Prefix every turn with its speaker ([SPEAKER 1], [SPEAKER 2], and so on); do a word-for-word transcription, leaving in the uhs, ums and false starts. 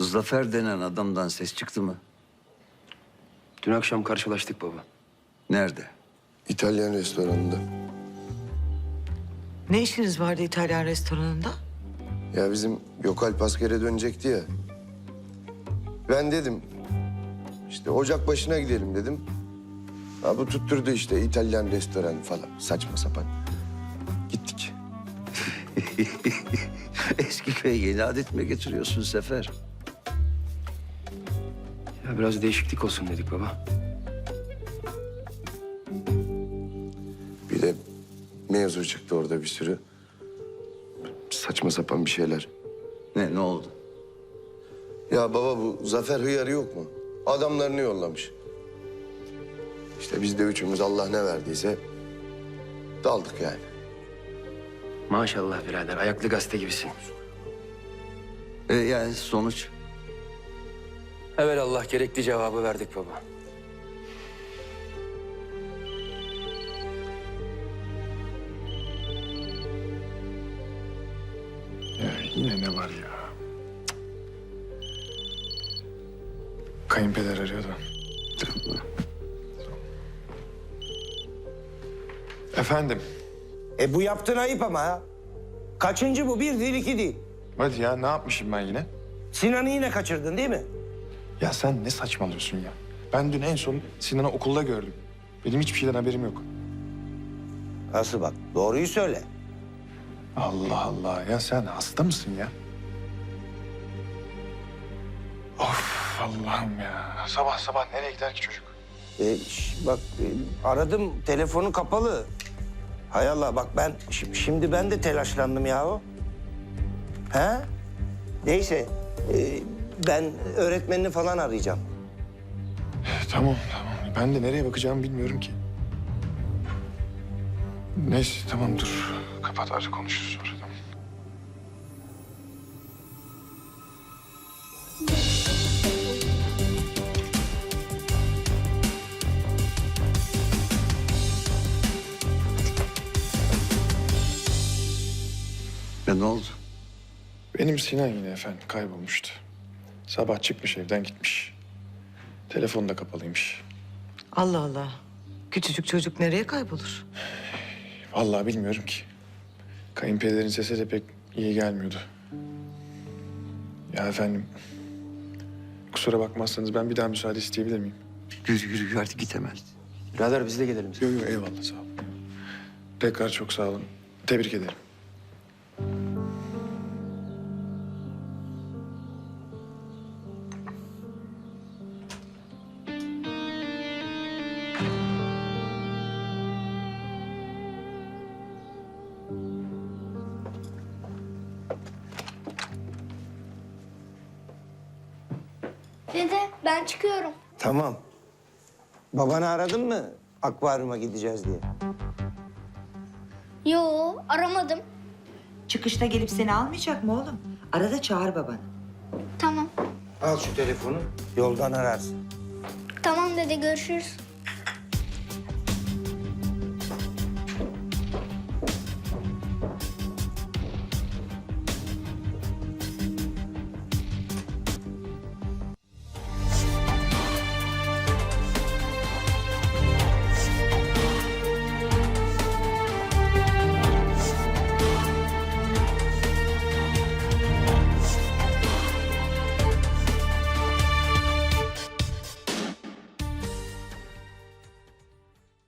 [SPEAKER 1] Zafer denen adamdan ses çıktı mı?
[SPEAKER 2] Dün akşam karşılaştık baba.
[SPEAKER 1] Nerede?
[SPEAKER 3] İtalyan restoranında.
[SPEAKER 4] Ne işiniz vardı İtalyan restoranında?
[SPEAKER 3] Ya bizim Gökalp askere dönecekti ya. Ben dedim işte ocak başına gidelim dedim. Ha, bu tutturdu işte İtalyan restoranı falan saçma sapan. Gittik.
[SPEAKER 1] Eski köye yeni adet mi getiriyorsun Sefer?
[SPEAKER 2] Ya biraz değişiklik olsun dedik baba.
[SPEAKER 3] Bir de mevzu çıktı orada bir sürü. Saçma sapan bir şeyler.
[SPEAKER 1] Ne, ne oldu?
[SPEAKER 3] Ya baba bu Zafer hıyarı yok mu? Adamlarını yollamış. İşte biz de üçümüz Allah ne verdiyse daldık yani.
[SPEAKER 2] Maşallah birader, ayaklı gazete gibisin.
[SPEAKER 1] E, yani sonuç?
[SPEAKER 2] Evelallah gerekli cevabı verdik baba.
[SPEAKER 5] Ya yine ne var ya? Kayınpeder arıyor da. Efendim?
[SPEAKER 6] E bu yaptığın ayıp ama ha. Kaçıncı bu? Bir değil, iki değil.
[SPEAKER 5] Hadi ya ne yapmışım ben yine?
[SPEAKER 6] Sinan'ı yine kaçırdın değil mi?
[SPEAKER 5] Ya sen ne saçmalıyorsun ya? Ben dün en son Sinan'ı okulda gördüm. Benim hiçbir şeyden haberim yok.
[SPEAKER 6] Nasıl bak? Doğruyu söyle.
[SPEAKER 5] Allah Allah ya sen hasta mısın ya? Of Allah'ım ya. Sabah sabah nereye gider ki çocuk?
[SPEAKER 6] E, şş, bak e, aradım, telefonu kapalı. Hay Allah bak ben şi- şimdi ben de telaşlandım yahu. He? Neyse e, ben öğretmenini falan arayacağım.
[SPEAKER 5] Tamam tamam. Ben de nereye bakacağımı bilmiyorum ki. Neyse tamam dur. Kapat artık konuşuruz sonra. Tamam.
[SPEAKER 1] Ya ne oldu?
[SPEAKER 5] Benim Sinan yine efendim kaybolmuştu. Sabah çıkmış evden gitmiş. Telefonu da kapalıymış.
[SPEAKER 4] Allah Allah. Küçücük çocuk nereye kaybolur?
[SPEAKER 5] Vallahi bilmiyorum ki. Kayınpederin sesi de pek iyi gelmiyordu. Ya efendim, kusura bakmazsanız ben bir daha müsaade isteyebilir miyim?
[SPEAKER 1] Yürü yürü yürü artık git hemen.
[SPEAKER 2] Birader biz de gelelim.
[SPEAKER 5] Yok yok eyvallah sağ olun. Tekrar çok sağ olun. Tebrik ederim.
[SPEAKER 7] Dede ben çıkıyorum.
[SPEAKER 6] Tamam. Babanı aradın mı akvaryuma gideceğiz diye?
[SPEAKER 7] Yo aramadım.
[SPEAKER 8] Çıkışta gelip seni almayacak mı oğlum? Arada çağır babanı.
[SPEAKER 7] Tamam.
[SPEAKER 6] Al şu telefonu, yoldan ararsın.
[SPEAKER 7] Tamam dede görüşürüz.